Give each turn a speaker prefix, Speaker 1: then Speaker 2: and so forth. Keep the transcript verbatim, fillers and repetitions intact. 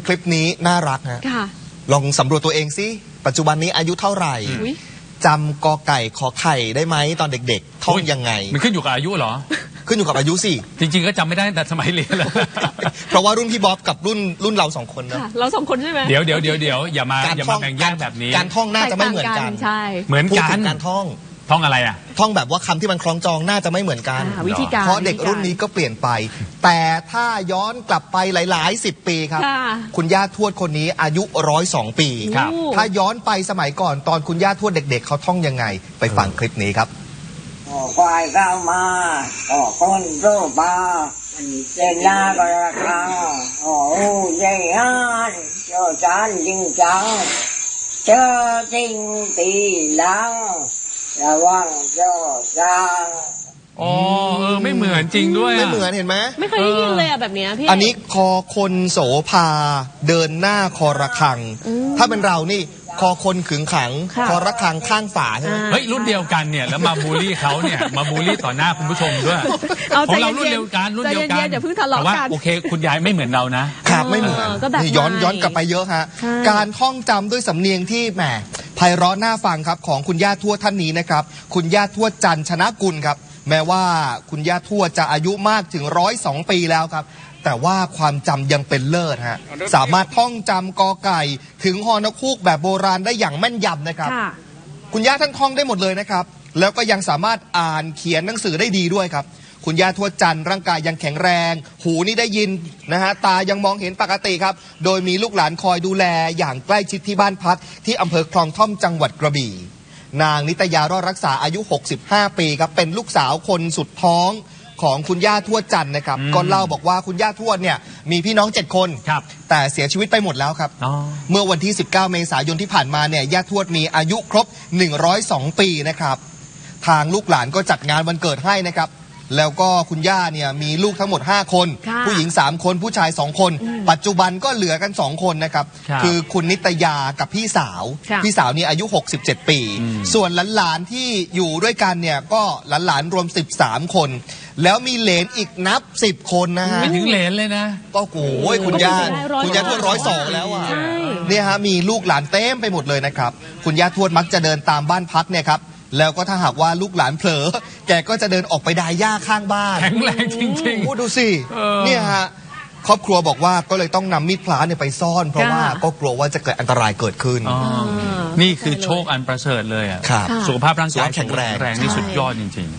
Speaker 1: คลิปนี้น่ารักฮะลองสำรวจตัวเองสิปัจจุบันนี้อายุเท่าไหร่จำกอไก่ขอไข่ได้ไหมตอนเด็กๆท่องยังไง
Speaker 2: มันขึ้นอยู่กับอายุเหรอ
Speaker 1: ขึ้นอยู่กับอายุสิ
Speaker 2: จริงๆก็จำไม่ได้แต่สมัยเรียนแล้ว
Speaker 1: เพราะว่ารุ่นพี่บ๊อบกับรุ่นรุ่นเราสองคนนะ
Speaker 3: เราสองคนใช่ไหม
Speaker 2: เดี๋ยวเดี๋ยวเดี๋ยวเดี๋ยวอย่ามาอย่ามาแบ่งแยกแบบนี้
Speaker 1: การท่องน่าจะไม่เหมือนกัน
Speaker 3: ใช่
Speaker 2: เหมือนกัน
Speaker 1: การท่อง
Speaker 2: ท่องอะไรอ่ะ
Speaker 1: ท่องแบบว่าคำที่มันคล้องจองน่าจะไม่เหมือนกัน
Speaker 3: วิธีการ
Speaker 1: เพราะเด็กรุ่นนี้ก็เปลี่ยนไปแต่ถ้าย้อนกลับไปหลายๆสิบปีครับคุณย่าทวดคนนี้อายุร้อยสองปีถ้าย้อนไปสมัยก่อนตอนคุณย่าทวดเด็กๆเขาท่องยังไงไปฟังคลิปนี้ครับ
Speaker 4: ควายเข้ามาก็คนรู้มาเจน่าก็ระคังโอ้ยฮานเจ้าจานจริงจังเจอจริงตีหลังระวังเจ้าจาง
Speaker 2: อ๋อเออไม่เหมือนจริงด้วย
Speaker 1: ไม่เหมือนเห็นไหม
Speaker 3: ไม่เคยได้ยินเลยอะแบบนี้พี่
Speaker 1: อันนี้คอคนโสภาเดินหน้าคอระคังถ้าเป็นเรานี่คอคนขึงขังคอระคังข้างฝาใช่ไหม
Speaker 2: เฮ้ยรุ่นเดียวกันเนี่ยแล้วมาบูลลี่เขาเนี่ยมาบูลลี่ต่อหน้าคุณผู้ชมด้วยของเรารุ่นเดียวกันรุ่นเดียวกัน
Speaker 3: อย่าเพิ่งทะเลาะกัน
Speaker 2: โอเคคุณยายไม่เหมือนเรานะครับ
Speaker 1: ไม่เหมือนย้อนย้อนกลับไปเยอะฮะการท่องจำด้วยสำเนียงที่แหมไพเราะน่าฟังครับของคุณย่าทวดท่านนี้นะครับคุณย่าทวดจันชนะกุลครับแม้ว่าคุณย่าทวดจะอายุมากถึงร้อยสองปีแล้วครับแต่ว่าความจำยังเป็นเลิศฮะสามารถท่องจำกอไก่ถึงฮอนกฮูกแบบโบราณได้อย่างแม่นยำนะครับคุณย่าท่านท่องได้หมดเลยนะครับแล้วก็ยังสามารถอ่านเขียนหนังสือได้ดีด้วยครับคุณย่าทวดจันร่างกายยังแข็งแรงหูนี่ได้ยินนะฮะตายังมองเห็นปกติครับโดยมีลูกหลานคอยดูแลอย่างใกล้ชิดที่บ้านพักที่อำเภอคลองท่อมจังหวัดกระบี่นางนิตยารอดรักษาอายุหกสิบห้าปีครับเป็นลูกสาวคนสุดท้องของคุณย่าทวดจันนะครับก็เล่าบอกว่าคุณย่าทวดเนี่ยมีพี่น้องเจ็ดคนแต่เสียชีวิตไปหมดแล้วครับเมื่อวันที่สิบเก้าเมษายนที่ผ่านมาเนี่ยย่าทวดมีอายุครบหนึ่งร้อยสองปีนะครับทางลูกหลานก็จัดงานวันเกิดให้นะครับแล้วก็คุณย่าเนี่ยมีลูกทั้งหมดห้าคนผู้หญิงสามคนผู้ชายสองคนปัจจุบันก็เหลือกันสองคนนะครับคือคุณนิตยากับพี่สาวพี่สาวนี่อายุหกสิบเจ็ดปีส่วนหลานๆที่อยู่ด้วยกันเนี่ยก็หลานๆรวมสิบสามคนแล้วมีเหลนอีกนับสิบคนนะฮะ
Speaker 2: ไม่ถึงเหลนเลยนะ
Speaker 1: ก็โอ้ยคุณย่าคุณย่าทวดร้อยสองแล้วอ่ะเนี่ยฮะมีลูกหลานเต็มไปหมดเลยนะครับคุณย่าทวดมักจะเดินตามบ้านพักเนี่ยครับแล้วก็ถ้าหากว่าลูกหลานเผลอแกก็จะเดินออกไปดายหญ้าข้างบ้าน
Speaker 2: แข็งแรงจริงๆ
Speaker 1: โอ้ดูสิเนี่ยฮะครอบครัวบอกว่าก็เลยต้องนำมีดพระเนี่ยไปซ่อนเพราะว่าก็กลัวว่าจะเกิดอันตรายเกิดขึ้น
Speaker 2: นี่คือโชคอันประเสริฐเลยอ่ะสุขภาพร่างกาย
Speaker 1: แข็งแรง
Speaker 2: นี่สุดยอดจริงๆ